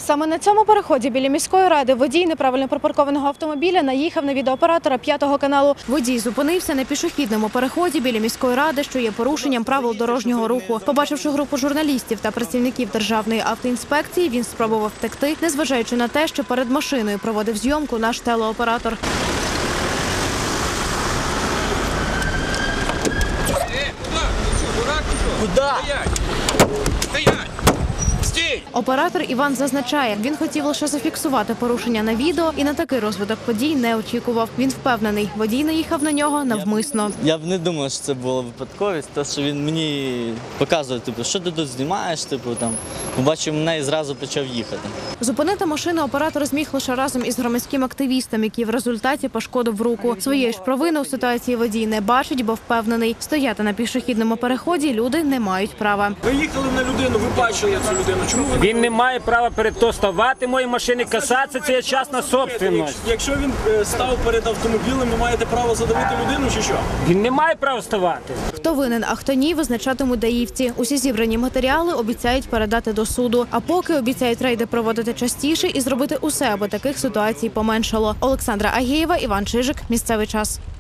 Саме на цьому переході біля міської ради водій неправильно припаркованого автомобіля наїхав на відеооператора 5-го каналу. Водій зупинився на пішохідному переході біля міської ради, що є порушенням правил дорожнього руху. Побачивши групу журналістів та працівників Державної автоінспекції, він спробував втекти, незважаючи на те, що перед машиною проводив зйомку наш телеоператор. Куда? Стоять! Стій! Оператор Іван зазначає, він хотів лише зафіксувати порушення на відео і на такий розвиток подій не очікував. Він впевнений, водій наїхав на нього навмисно. Я б не думав, що це була випадковість, те, що він мені показує, що ти тут знімаєш, побачив мене і зразу почав їхати. Зупинити машину оператор зміг лише разом із громадським активістом, який в результаті пошкодив руку. Своєї ж провини у ситуації водій не бачить, бо впевнений, стояти на пішохідному переході люди не мають права. Ви їхали на людину, ви бачили цю людину. Чому ви... Він не має права перед то ставати мої машини, касатися, це є частна собственність. Якщо він став перед автомобілем, ви маєте право задавити людину чи що? Він не має права ставати. Хто винен, а хто ні, визначатимуть даївці. Усі зібрані матеріали обіцяють передати до суду. А поки обіцяють рейди проводити частіше і зробити усе, аби таких ситуацій поменшало. Олександра Агієва, Іван Чижик. Місцевий час.